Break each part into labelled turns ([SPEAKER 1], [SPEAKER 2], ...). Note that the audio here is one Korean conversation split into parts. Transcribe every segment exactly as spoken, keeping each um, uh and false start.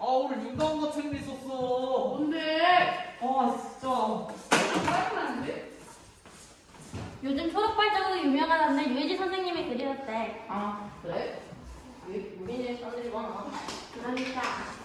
[SPEAKER 1] 아, 오늘 윤다운 같은 일 있었어.
[SPEAKER 2] 뭔데?
[SPEAKER 1] 아, 진짜.
[SPEAKER 2] 짜증나는데?
[SPEAKER 3] 요즘 초록 발자국이 유명하다는데 유해지 선생님이 그리셨대.
[SPEAKER 2] 아, 그래? 왜 우리네 사람들이 많아?
[SPEAKER 3] 그러니까.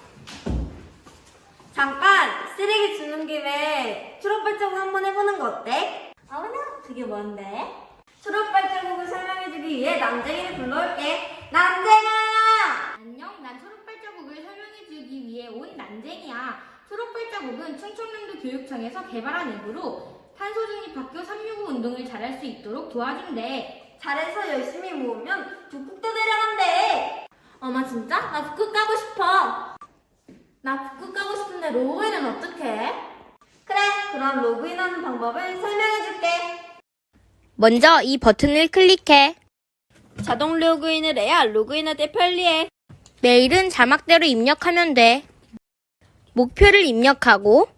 [SPEAKER 4] 잠깐! 쓰레기 주는 김에 초록발자국 한번 해보는 거 어때?
[SPEAKER 3] 어머나, 그게 뭔데?
[SPEAKER 4] 초록발자국을 설명해주기 위해 남쟁이를 불러올게. 남쟁아!
[SPEAKER 3] 안녕, 난 초록 발자국을 설명해주기 위해 온 난쟁이야. 초록 발자국은 충청남도 교육청에서 개발한 앱으로 탄소 중립 학교 삼육오 운동을 잘할 수 있도록 도와준대.
[SPEAKER 4] 잘해서 열심히 모으면 북극도 내려간대.
[SPEAKER 3] 어머 진짜? 나 북극 가고 싶어. 나 북극 가고 싶은데 로그인은 어떡해?
[SPEAKER 4] 그래, 그럼 로그인하는 방법을 설명해줄게.
[SPEAKER 5] 먼저 이 버튼을 클릭해.
[SPEAKER 4] 자동 로그인을 해야 로그인할 때 편리해.
[SPEAKER 5] 메일은 자막대로 입력하면 돼. 목표를 입력하고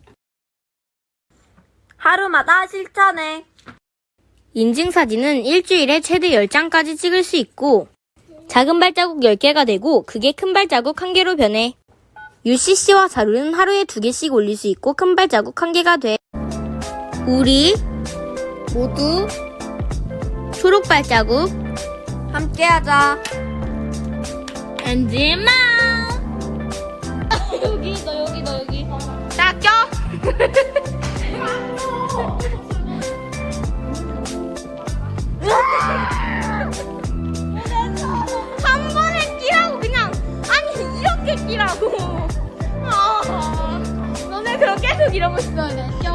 [SPEAKER 4] 하루마다 실천해.
[SPEAKER 5] 인증사진은 일주일에 최대 열 장까지 찍을 수 있고 작은 발자국 열 개가 되고 그게 큰 발자국 한 개로 변해. 유씨씨와 자료는 하루에 두 개씩 올릴 수 있고 큰 발자국 한 개가 돼. 우리 모두 초록 발자국
[SPEAKER 4] 함께하자.
[SPEAKER 5] 엔지마
[SPEAKER 3] 여기 너 여기 너 여기.
[SPEAKER 5] 딱 껴. 한 번에 끼라고 그냥. 아니 이렇게 끼라고. 아, 너네 그럼 계속 이러고 있어야 돼. 껴.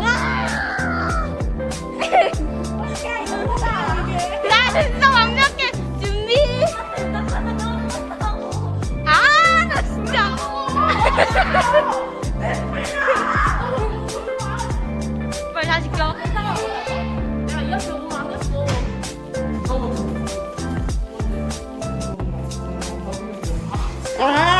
[SPEAKER 5] 나 진짜 완벽해. 준비. 아, 나 진짜. 빨리 다시 껴.
[SPEAKER 2] 야, 이렇게 오면 안 됐어.
[SPEAKER 1] 잠깐만.
[SPEAKER 4] 아!